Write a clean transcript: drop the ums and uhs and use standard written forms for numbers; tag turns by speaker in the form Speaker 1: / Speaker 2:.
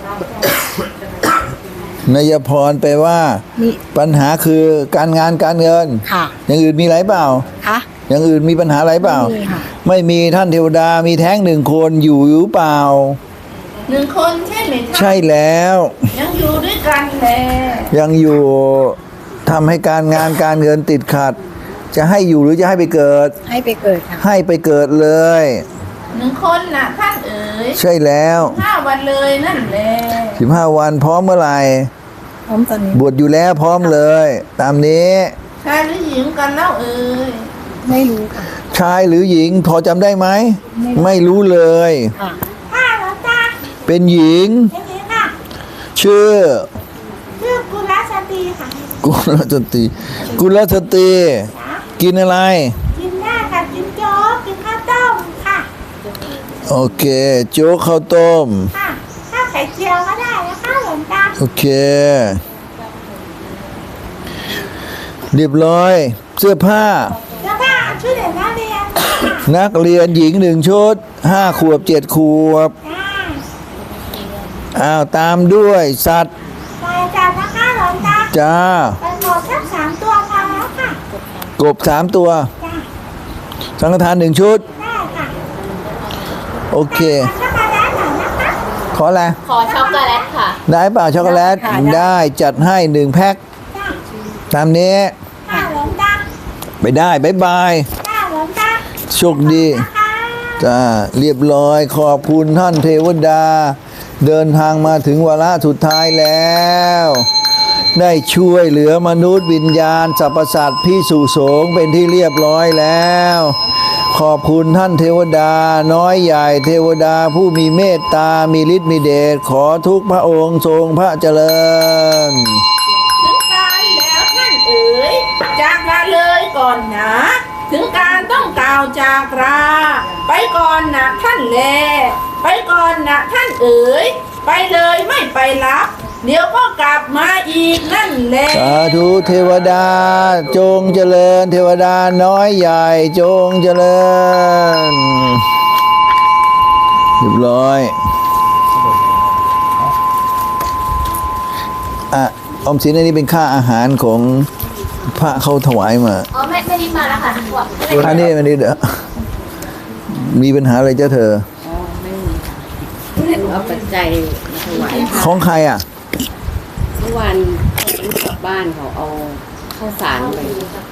Speaker 1: นายพรแปลว่าปัญหาคือการงานการเงิน
Speaker 2: ค่ะ
Speaker 1: อย่างอื่นมีอะไรเปล่า
Speaker 2: คะ
Speaker 1: อย่างอื่นมีปัญหาอะไรเปล่า
Speaker 2: ไม่มีค่ะ
Speaker 1: ไม่มีท่านเทวดามีแท้งหนึ่งคนอยู่หรือเปล่า
Speaker 3: 1 คนใช่ไหมคะ
Speaker 1: ใช่แล้ว
Speaker 3: ยังอยู่ด้วยกันแล
Speaker 1: ยังอยู่ทำให้การงานการเงินติดขัดจะให้อยู่หรือจะให้ไปเกิด
Speaker 2: ให้ไปเกิดค่ะ
Speaker 1: ให้ไปเกิดเลย
Speaker 3: 1 คนน่ะท่านเอ๋ย
Speaker 1: ใช่แล้ว
Speaker 3: 15 วันเลยนั่นแหละ
Speaker 1: 15 วันพร้อมเมื่อไหร่
Speaker 2: พร้อมตอนนี้
Speaker 1: บวชอยู่แล้วพร้อมเลยตามนี้
Speaker 3: ชายหรือหญิงกันเล่าเอ๋ย
Speaker 2: ไม่รู้ค่ะ
Speaker 1: ชายหรือหญิงพอจำได้ไหมไม่รู้เลย
Speaker 2: ค่ะ
Speaker 3: แล้วจ้า
Speaker 1: เป็นหญิง
Speaker 3: ค่ะ
Speaker 1: ชื่อ
Speaker 3: กุลสตรีค่ะ
Speaker 1: กุลสตรีกุลสตรีกินอะไร
Speaker 3: กินได้ค่ะกินโจ๊กกินข้าวต้มค่ะ
Speaker 1: โอเคโจ๊กข้าวต้ม
Speaker 3: ค่ะข้าวไข่เจียวก็ได้นะคะหลวงตา
Speaker 1: โอเคเรียบร้อยเสื้อผ้า
Speaker 3: ชุดเด็กนักเรียน
Speaker 1: นักเรียนหญิง1 ชุด5 ขวบ7 ขวบตามด้วยสัตว์
Speaker 3: ไปจัดนะคะหลวงตา
Speaker 1: จ้า
Speaker 3: ไปหมดแค่3 ตัวพอแล้วค่ะ
Speaker 1: กบ3 ตัวสังฆทาน1 ชุด
Speaker 3: ได้ค่ะ
Speaker 1: โอเค
Speaker 3: ช็อกโกแลตหน่อยนะคะ
Speaker 1: ขออะไร
Speaker 4: ขอช็อกโกแลตค่ะ
Speaker 1: ได้เปล่าช็อกโกแลตได้จัดให้1 แพ็คตามนี้
Speaker 3: ค่ะหลวงตา
Speaker 1: ไปได้บ๊ายบาย
Speaker 3: หลวงตา
Speaker 1: โชคดีจ้าเรียบร้อยขอบคุณท่านเทวดาเดินทางมาถึงวาระสุดท้ายแล้วได้ช่วยเหลือมนุษย์วิญญาณสรรพสัตว์พิสุสงฆ์เป็นที่เรียบร้อยแล้วขอบคุณท่านเทวดาน้อยใหญ่เทวดาผู้มีเมตตามีฤทธิ์มีเดชขอทุกพระองค์ทรงพระเจริญ
Speaker 3: ถึงการแล้วท่านเอ๋ยจากลาเลยก่อนนะถึงการต้องกล่าวจากลาไปก่อนนะท่านแลไปก่อนนะท่านเอ๋ยไปเลยไม่ไปรับเดี๋ยวก็กลับมาอีกนั่นแหละ
Speaker 1: สาธุเทวดาจงเจริญเทวดาน้อยใหญ่จงเจริญเรียบร้อยออมสินอันนี้เป็นค่าอาหารของพระเขาถวายมา
Speaker 4: อ๋อไม่ได้มาแล้วค่ะ
Speaker 1: อันนี้มันนี่มีปัญหาอะไรเจ้าเธอ
Speaker 2: ไม่เอาปัจจัยถวาย
Speaker 1: ของใคร
Speaker 2: เมื่อวานลูกกลับบ้านเขาเอาข้าวสารไป